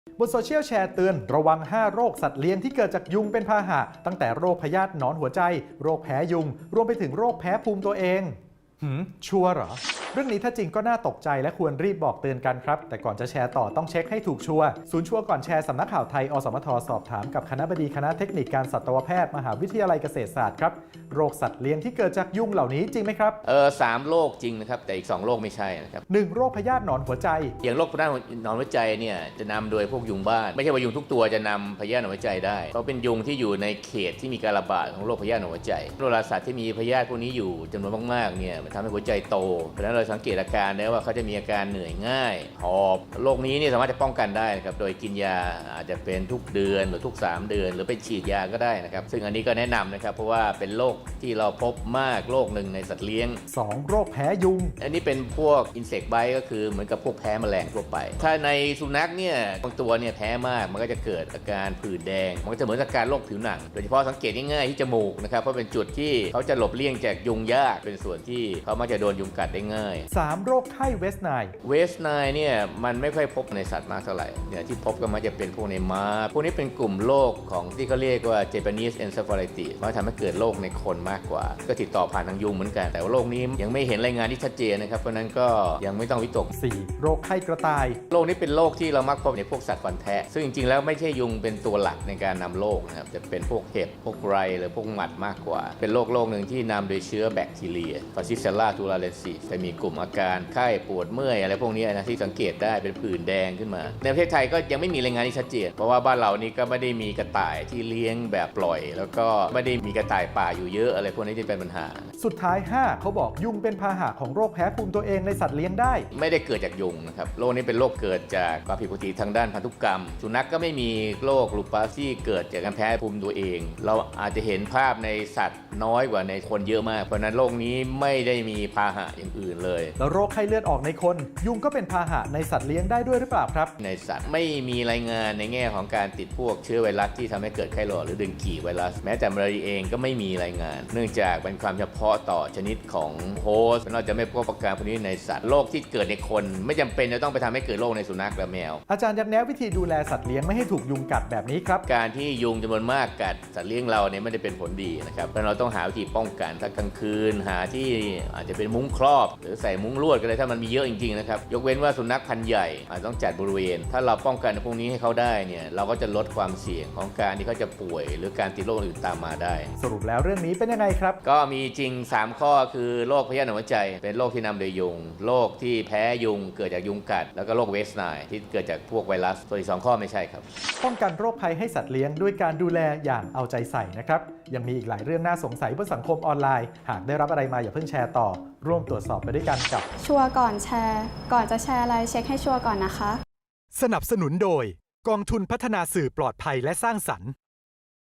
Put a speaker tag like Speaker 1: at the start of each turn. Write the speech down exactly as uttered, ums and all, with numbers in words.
Speaker 1: บนโซเชียลแชร์เตือนระวังห้าโรคสัตว์เลี้ยงที่เกิดจากยุงเป็นพาหะตั้งแต่โรคพยาธิหนอนหัวใจโรคแพ้ยุงรวมไปถึงโรคแพ้ภูมิตัวเองหืมชัวร์เหรอเรื่องนี้ถ้าจริงก็น่าตกใจและควรรีบบอกเตือนกันครับแต่ก่อนจะแชร์ต่อต้องเช็คให้ถูกชัวร์ศูนย์ชัวร์ก่อนแชร์สำนักข่าวไทยอสมทสอบถามกับคณบดีคณะเทคนิคการสัตวแพทย์มหาวิทยาลัยเกษตรศาสตร์ครับโรคสัตว์เลี้ยงที่เกิดจากยุงเหล่านี้จริงไหมครับ
Speaker 2: เออสามโรคจริงนะครับแต่อีกสองโรคไม่ใช่นะครับ
Speaker 1: หนึ่งโรคพยาธิหนอนหัวใจ
Speaker 2: อย่างโรคพยาธิหนอนหัวใจเนี่ยจะนำโดยพวกยุงบ้านไม่ใช่ว่ายุงทุกตัวจะนำพยาธิหนอนหัวใจได้เพราะเป็นยุงที่อยู่ในเขตที่มีการระบาดของโรคพยาธิหนอนหัวใจโรคราสัตว์ที่มีพยาธิพวกนี้อยู่จำนวนมากๆเนี่ยมันทำให้หัวใจโตเพราะฉะนั้นเราสังเกตอาการได้ว่าเขาจะมีอาการเหนื่อยง่ายหอบโรคนี้เนี่ยสามารถจะป้องกันได้นะครับโดยกินยาอาจจะเป็นทุกเดือนหรือทุกสามเดือนหรือไปฉีดยาก็ได้นะครับซึ่งอันนี้ก็แนะนำนะครับเพราะว่าเป็นโรคที่เราพบมากโรคหนึ่งในสัตว์เลี้ยง
Speaker 1: สองโรคแพ้ยุง
Speaker 2: อันนี้เป็นพวกอินเสกไบต์ก็คือเหมือนกับพวกแพ้แมลงทั่วไปถ้าในสุนัขเนี่ยบางตัวเนี่ยแพ้มากมันก็จะเกิดอาการผื่นแดงมันก็จะเหมือนอาการโรคผิวหนังโดยเฉพาะสังเกตง่ายๆที่จมูกนะครับเพราะเป็นจุดที่เขาจะหลบเลี่ยงจากยุงยากเป็นส่วนที่เขามักจะโดนยุงกัดได้ง่าย
Speaker 1: สามโรคไข้เวสไนล์
Speaker 2: เวสไนล์เนี่ยมันไม่ค่อยพบในสัตว์มากเท่าไหร่เนี่ยที่พบก็มักจะเป็นพวกในม้าพวกนี้เป็นกลุ่มโรคของที่เขาเรียกว่า Japanese encephalitis มันทำให้เกิดโรคในคนมากกว่าก็ติดต่อผ่านทางยุงเหมือนกันแต่ว่าโรคนี้ยังไม่เห็นรายงานที่ชัดเจนนะครับเพราะนั้นก็ยังไม่ต้องวิตก
Speaker 1: สี่โรคไข้กระต่าย
Speaker 2: โรคนี้เป็นโรคที่เรามักพบในพวกสัตว์ฟันแทะซึ่งจริงๆแล้วไม่ใช่ยุงเป็นตัวหลักในการนำโรคนะครับจะเป็นพวกเห็บพวกไรหรือพวกหมัดมากกว่าเป็นโรคโรคหนึ่งที่นำโดยเชื้อแบคทีเรีย Bacillus thuringiensis จะมีกลุ่มอาการไข้ปวดเมื่อยอะไรพวกนี้นะที่สังเกตได้เป็นผื่นแดงขึ้นมาในประเทศไทยก็ยังไม่มีรายงานที่ชัดเจนเพราะว่าบ้านเรานี่ก็ไม่ได้มีกระต่ายที่เลี้ยงแบบปล่อยแล้วก็ไม่ได้มีกระต่ายป่าอยู่เยอะอะไรพวกนี้ที่เป็นปัญหา
Speaker 1: สุดท้ายห้าเขาบอกยุงเป็นพาหะของโรคแพ้ภูมิตัวเองในสัตว์เลี้ยงได้
Speaker 2: ไม่ได้เกิดจากยุงนะครับโรคนี้เป็นโรคเกิดจากความผิดปกติทางด้านพันธุกรรมสุนัข ก, ก็ไม่มีโรคลูปัสที่เกิดจากการแพ้ภูมิตัวเองเราอาจจะเห็นภาพในสัตว์น้อยกว่าในคนเยอะมากเพราะนั้นโรคนี้ไม่ได้มีพาหะอย่างอื่นเลย
Speaker 1: แล้วโรคไข้เลือดออกในคนยุงก็เป็นพาหะในสัตว์เลี้ยงได้ด้วยหรือเปล่าครับ
Speaker 2: ในสัตว์ไม่มีรายงานในแง่ของการติดพวกเชื้อไวรัสที่ทำให้เกิดไข้หลอดหรือดึงกี่ไวรัสแม้แต่มาลาเรียเองก็ไม่มีรายงานเนื่องจากเป็นความเฉพาะต่อชนิดของโฮสต์เราจะไม่พบอาการพวกนี้ในสัตว์โรคที่เกิดในคนไม่จำเป็นจะต้องไปทำให้เกิดโรคในสุนัขและแมว
Speaker 1: อาจารย์ยักแนะวิธีดูแลสัตว์เลี้ยงไม่ให้ถูกยุงกัดแบบนี้ครับ
Speaker 2: การที่ยุงจำนวนมากกัดสัตว์เลี้ยงเราเนี่ยไม่ได้เป็นผลดีนะครับเพราะเราต้องหาวิธีป้องกันถ้ากลางคืนหาที่อาจจะเป็นมุ้งครอบหรือใส่มุ้งลวดก็ได้ถ้ามันมีเยอะจริงๆนะครับยกเว้นว่าสุนัขพันธุ์ใหญ่อาจต้องจัดบริเวณถ้าเราป้องกันพวกนี้ให้เขาได้เนี่ยเราก็จะลดความเสี่ยงของการที่เขาจะป่วยหรือการติดโรคอื่นตามมาได้
Speaker 1: สรุปแล้วเรื่องนี้เป็นยังไงครับ
Speaker 2: ก็มีจริงสามข้อคือโรคพยาธิหนอนหัวใจเป็นโรคที่นำโดยยุงโรคที่แพ้ยุงเกิดจากยุงกัดแล้วก็โรคเวสไนล์ที่เกิดจากพวกไวรัสส่วนอีกสองข้อไม่ใช่ครับ
Speaker 1: ป้องกันโรคภัยให้สัตว์เลี้ยงด้วยการดูแลอย่างเอาใจใส่นะครับยังมีอีกหลายเรื่องน่าสงสัยบนสังคมออนไลน์หากได้รับอะไรมาอย่าเพิ่งแชร์ต่อร่วมตรวจสอบไปด้วยกันกับ
Speaker 3: ชัวร์ก่อนแชร์ก่อนจะแชร์อะไรเช็คให้ชัวร์ก่อนนะคะ
Speaker 1: สนับสนุนโดยกองทุนพัฒนาสื่อปลอดภัยและสร้างสรรค์